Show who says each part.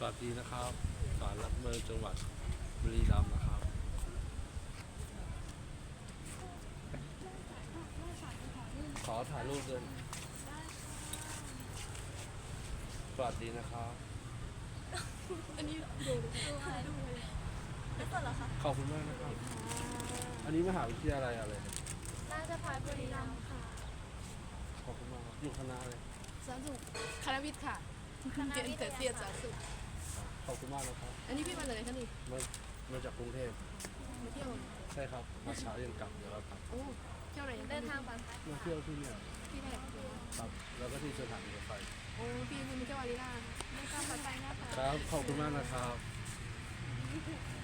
Speaker 1: วัสดีนะครับศาลหลักเมืองจังหวัดบุรีรัมย์นะครับขอถ่ายรูปด้วยสวัสดีนะครับ
Speaker 2: อันนี้ดูถ่ายรูปเลยแล้วก็เหรอคะ
Speaker 1: ขอบคุณมากนะครับ อันนี้มหาวิทยาลัยอะไร
Speaker 2: ราชภัฏบุรีรัมย์ค่ะ
Speaker 1: ขอบคุณมากครับอยู่คณะเลย
Speaker 2: สาธารณสุขคณะวิทย์ค่ะเรียนแต่เสียสาธารณสุข
Speaker 1: ขอบคุณมากนะครับ
Speaker 2: อันนี้พี่มาจากไหนคะนี่
Speaker 1: มาจากกรุงเทพ
Speaker 2: มาเที่ยว
Speaker 1: ใช่ครับมาเช้ายังกลับเดี๋ยวเรากลับ
Speaker 2: โอ้เที่ยวไหนยัง
Speaker 3: เดินทางปลอดภัย
Speaker 1: มาเที่ยวที่เนี่ย
Speaker 2: พี่แรก
Speaker 1: ครับแล้วก็ที่สถานีรถไฟ
Speaker 2: โอ้พี่คุณเที่ยวอารีนา
Speaker 3: เดินทางปลอดภัยนะคะ
Speaker 1: ครับขอบคุณมากนะครับ